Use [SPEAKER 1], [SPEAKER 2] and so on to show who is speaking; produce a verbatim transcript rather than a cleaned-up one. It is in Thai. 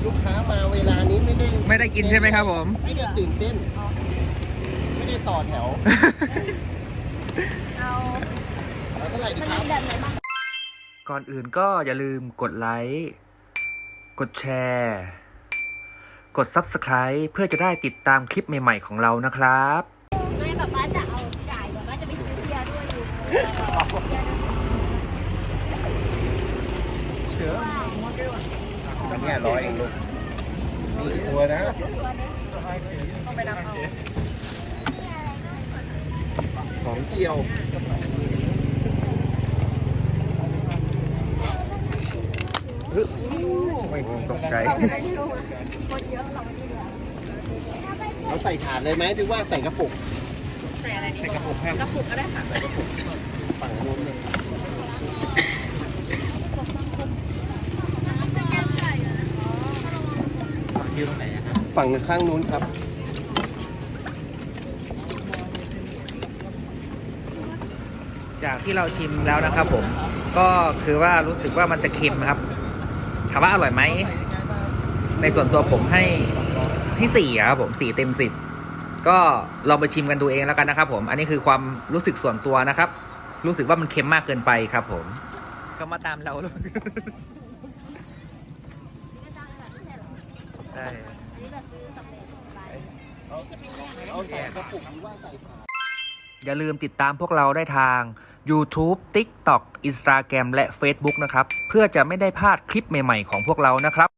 [SPEAKER 1] ลูกค้ามาเวลานี้ไม่ได้
[SPEAKER 2] ไม่ได้กินใช่ไหมครับผม
[SPEAKER 1] ไม่ได้ตื่นเต้นไม่ได้ต่อแถว
[SPEAKER 3] เอา
[SPEAKER 1] แล้วเท่าไหร่ดี
[SPEAKER 3] มัน
[SPEAKER 1] ครั
[SPEAKER 3] มี
[SPEAKER 1] บ
[SPEAKER 3] แบบไหนบ้าง
[SPEAKER 2] ก่อนอื่นก็อย่าลืมกดไลค์กดแชร์กด ซับสไครบ์ เพื่อจะได้ติดตามคลิปใหม่ๆของเรานะครับ
[SPEAKER 3] ไม่แบบว่าจะเอาจ่ายแบบว่าจะไปซื้อเบียร์ด้วยอยู่
[SPEAKER 1] เชื่ออันนี้ร้อยเองลูกมีกี่ตัวนะ
[SPEAKER 3] ต้องไปรับเอา
[SPEAKER 1] ของเจียวฮึไม่ตกใจ
[SPEAKER 3] คนเยอะเราไม่เหลือ
[SPEAKER 1] เราใส่ถาดเลยไหมหรือว่าใส่กระปุก
[SPEAKER 3] ใส่อะไรดี
[SPEAKER 1] ใส่กระปุกครับ
[SPEAKER 3] กระปุกก็ได้ค่ะ
[SPEAKER 1] ใส่กระปุกฝั่งนู้นเลยฝั่งข้างนู้นครับ
[SPEAKER 2] จากที่เราชิมแล้วนะครับผมก็คือว่ารู้สึกว่ามันจะเค็มครับถามว่าอร่อยไหมในส่วนตัวผมให้ให้สี่ครับผมสี่เต็มสิบก็ลองไปชิมกันดูเองแล้วกันนะครับผมอันนี้คือความรู้สึกส่วนตัวนะครับรู้สึกว่ามันเค็มมากเกินไปครับผมก็มาตามเราเลยใช่
[SPEAKER 3] นี่แบบซื้อสำเร็จไปนี่จะเป็นแยก
[SPEAKER 1] เอาใส่กระปุกหรือว่าใส่ถาด
[SPEAKER 2] อย่าลืมติดตามพวกเราได้ทาง YouTube TikTok Instagram และ Facebook นะครับเพื่อจะไม่ได้พลาดคลิปใหม่ๆของพวกเรานะครับ